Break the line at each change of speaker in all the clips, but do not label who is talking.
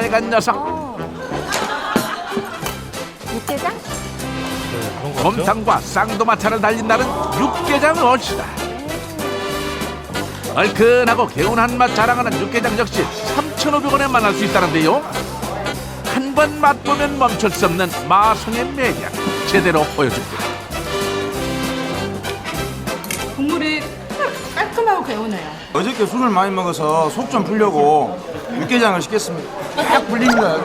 빨간 녀석.
육개장?
곰탕과 쌍도마차를 달린다는 육개장 얼씨다. 얼큰하고 개운한 맛 자랑하는 육개장 역시 3,500원에 만날 수 있다는데요. 한 번 맛보면 멈출 수 없는 마성의 매력 제대로 보여줍니다.
국물이 깔끔하고 개운해요.
어저께 술을 많이 먹어서 속 좀 풀려고 육개장을 시켰습니다. 딱 풀립니다.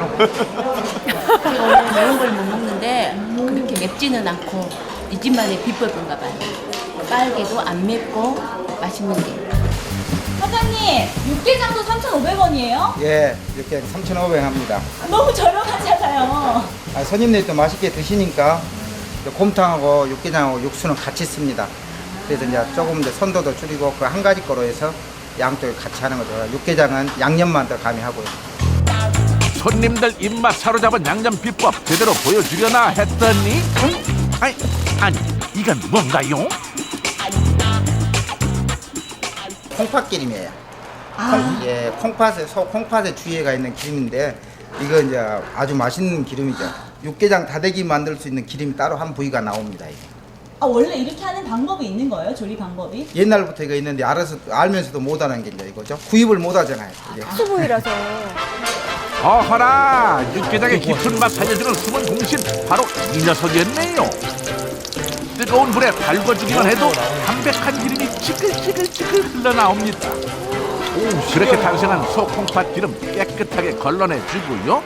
원래 매운 걸 못 먹는데 그렇게 맵지는 않고 이 집만의 비법인가 봐요. 빨개도 안 맵고 맛있는 게.
사장님, 육개장도 3,500원이에요?
예, 이렇게 3,500원 합니다.
너무 저렴하잖아요.
손님들이 또 맛있게 드시니까 곰탕하고 육개장하고 육수는 같이 씁니다. 그래서 이제 조금 더 선도도 줄이고 그 한 가지 거로 해서 양쪽을 같이 하는 거죠. 육개장은 양념만 더 가미하고요.
손님들 입맛 사로잡은 양념 비법 제대로 보여주려나 했더니 아니 이건 뭔가요?
콩팥기름이에요. 예, 콩팥에 주위에가 있는 기름인데 이거 이제 아주 맛있는 기름이죠. 육개장 다대기 만들 수 있는 기름이 따로 한 부위가 나옵니다. 이게.
아, 원래 이렇게 하는 방법이 있는 거예요? 조리 방법이?
옛날부터 이거 있는데 알면서도 못하는 게 이제 이거죠. 구입을 못하잖아요. 이게.
수부위라서.
어허라 육개장의 깊은 맛 살려주는 숨은 공신 바로 이 녀석이었네요. 뜨거운 불에 달궈주기만 해도 담백한 기름이 지글지글 흘러나옵니다. 그렇게 탄생한 소콩팥 기름 깨끗하게 걸러내주고요.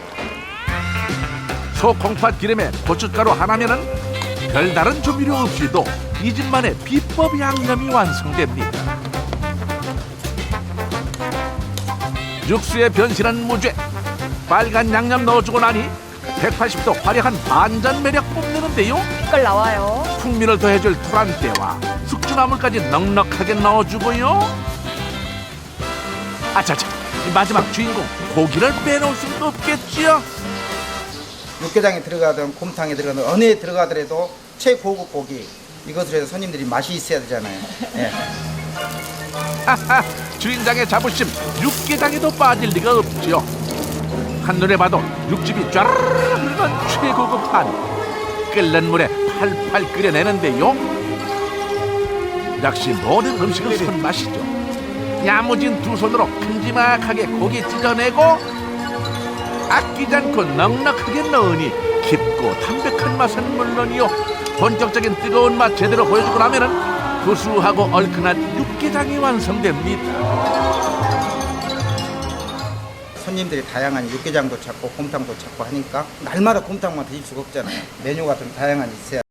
소콩팥 기름에 고춧가루 하나면은 별다른 조미료 없이도 이 집만의 비법 양념이 완성됩니다. 육수에 변신한 무죄 빨간 양념 넣어주고 나니 180도 화려한 반전 매력 뽐내는데요.
색깔 나와요.
풍미를 더해줄 토란대와 숙주나물까지 넉넉하게 넣어주고요. 아차차 마지막 주인공 고기를 빼놓을 수는 없겠지요.
육개장에 들어가든 곰탕에 들어가든 어느 에 들어가더라도 최고급 고기 이것을 해서 손님들이 맛이 있어야 되잖아요. 예.
하하 주인장의 자부심 육개장에도 빠질 리가 없지요. 한눈에 봐도 육즙이 쫘르르 흐르는 최고급 한 끓는 물에 팔팔 끓여내는데요. 역시 모든 음식은 손맛이죠. 야무진 두 손으로 큼지막하게 고기 찢어내고 아끼지 않고 넉넉하게 넣으니 깊고 담백한 맛은 물론이요 본격적인 뜨거운 맛 제대로 보여주고 나면은 구수하고 얼큰한 육개장이 완성됩니다.
손님들이 다양한 육개장도 찾고 곰탕도 찾고 하니까 날마다 곰탕만 드실 수가 없잖아요. 메뉴가 좀 다양한 있어야